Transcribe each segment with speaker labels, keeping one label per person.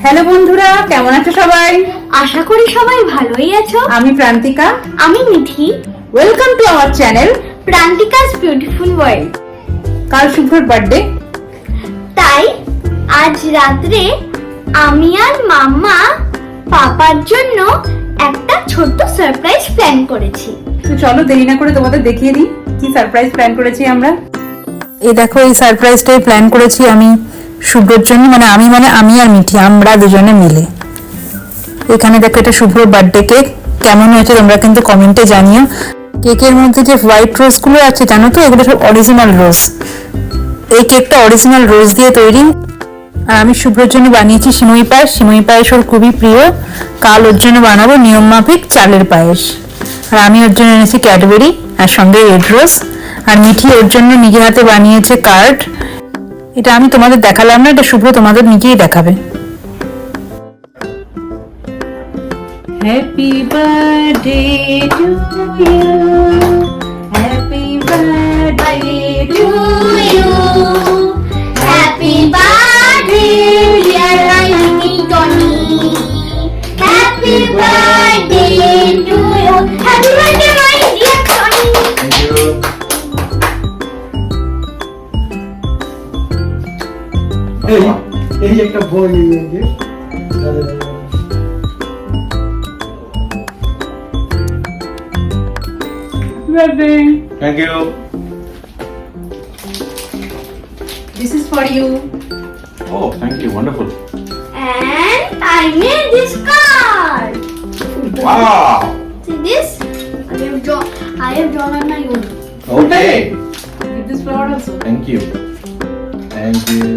Speaker 1: Hello বন্ধুরা, কেমন আছো সবাই?
Speaker 2: আশা করি সবাই ভালোই আছো।
Speaker 1: আমি প্রান্তিকা,
Speaker 2: আমি Mithi.
Speaker 1: Welcome to our channel
Speaker 2: Prantika's beautiful world.
Speaker 1: কাল শুভ্রর বার্থডে,
Speaker 2: তাই আজ রাত্রে আমি আর মাম্মা পাপার জন্য একটা ছোট্ট সারপ্রাইজ প্ল্যান করেছি।
Speaker 1: তো চলো দেরি না করে তোমাদের দেখিয়ে দিই কি সারপ্রাইজ প্ল্যান করেছি আমরা। এই দেখো, এই সারপ্রাইজটাই প্ল্যান করেছি আমি শুভ্রর জন্য, আমি আর মিঠি, আমরা দুজনে মিলে। এখানে দেখো, এটা শুভ্রর বার্থডে কেক। কেমন হয়েছে তোমরা কিন্তু কমেন্টে জানিও। কেকের মধ্যে যে হোয়াইট রোজ গুলো আছে জানো তো, এগুলো সব অরিজিনাল রোজ। এই কেকটা অরিজিনাল রোজ দিয়ে তৈরি। আর আমি শুভ্রর জন্য বানিয়েছি সিমই পায়েস। সিমই পায়েস ওর খুবই প্রিয়। কাল ওর জন্য বানাবো নিয়ম মাফিক চালের পায়েস। আর আমি ওর জন্য এনেছি ক্যাডবেরি আর সঙ্গে রেড রোজ। আর মিঠি ওর জন্য নিজের হাতে বানিয়েছে কার্ড। এটা আমি তোমাদের দেখালাম না, এটা শুভ্র তোমাদের নিজেই দেখাবে। Happy birthday to you, happy birthday to you,
Speaker 2: happy birthday dear রাইনি Tony, happy birthday to you, happy birthday my dear Tony.
Speaker 3: এই একটা বই নিয়ে
Speaker 1: birthday.
Speaker 3: Thank you.
Speaker 1: This is for you.
Speaker 3: Oh, thank you. Wonderful.
Speaker 2: And I made this card.
Speaker 3: Wow.
Speaker 2: See this? I have drawn on my own.
Speaker 3: Okay.
Speaker 1: Give this flower also.
Speaker 3: Thank you. Thank you.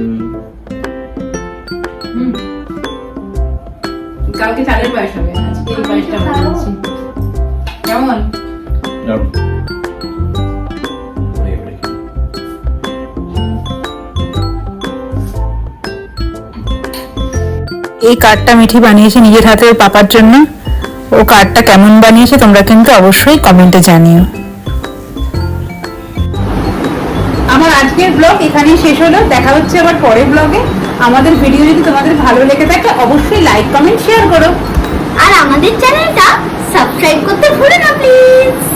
Speaker 1: কালকে চালের পায়েস হবে, আজকে এই পায়েসটা বানাচ্ছি। কেমন?
Speaker 3: No.
Speaker 1: এই কার্ডটা মিঠি বানিয়েছে নিজের হাতে ওর পাপার জন্য। ও কার্ডটা কেমন বানিয়েছে তোমরা কিন্তু অবশ্যই কমেন্টে জানিও। আমার আজকের ব্লগ এখানেই শেষ হলো। দেখা হচ্ছে আবার পরের ব্লগে। আমাদের ভিডিও যদি তোমাদের ভালো লেগে থাকে অবশ্যই লাইক কমেন্ট শেয়ার করো।
Speaker 2: আর আমাদের চ্যানেলটা সাবস্ক্রাইব করতে ভুলো না প্লিজ।